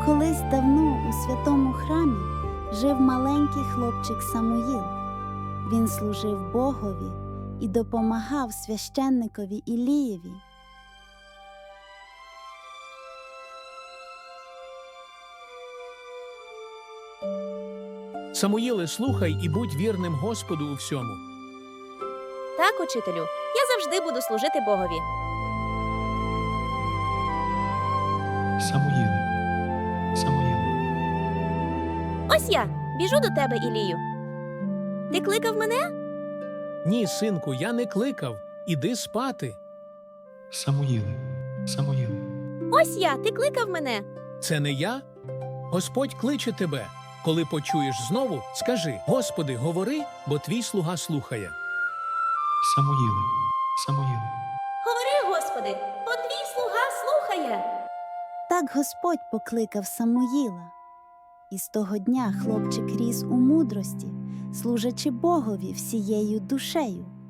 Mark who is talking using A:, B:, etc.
A: Колись давно у святому храмі жив маленький хлопчик Самуїл. Він служив Богові і допомагав священникові Ілієві.
B: Самуїле, слухай і будь вірним Господу у всьому.
C: Так, учителю, я завжди буду служити Богові.
D: Самуїле, Самуїле,
C: Ось я, біжу до тебе, Ілію. Ти кликав мене?
B: Ні, синку, я не кликав. Іди спати.
D: Самуїле, Самуїле,
C: Ось я, ти кликав мене.
B: Це не я? Господь кличе тебе. Коли почуєш знову, скажи: Господи, говори, бо твій слуга слухає.
D: Самуїле, Самуїле,
C: Говори, Господи, бо твій слуга слухає.
A: Так Господь покликав Самуїла. І з того дня хлопчик ріс у мудрості, служачи Богові всією душею.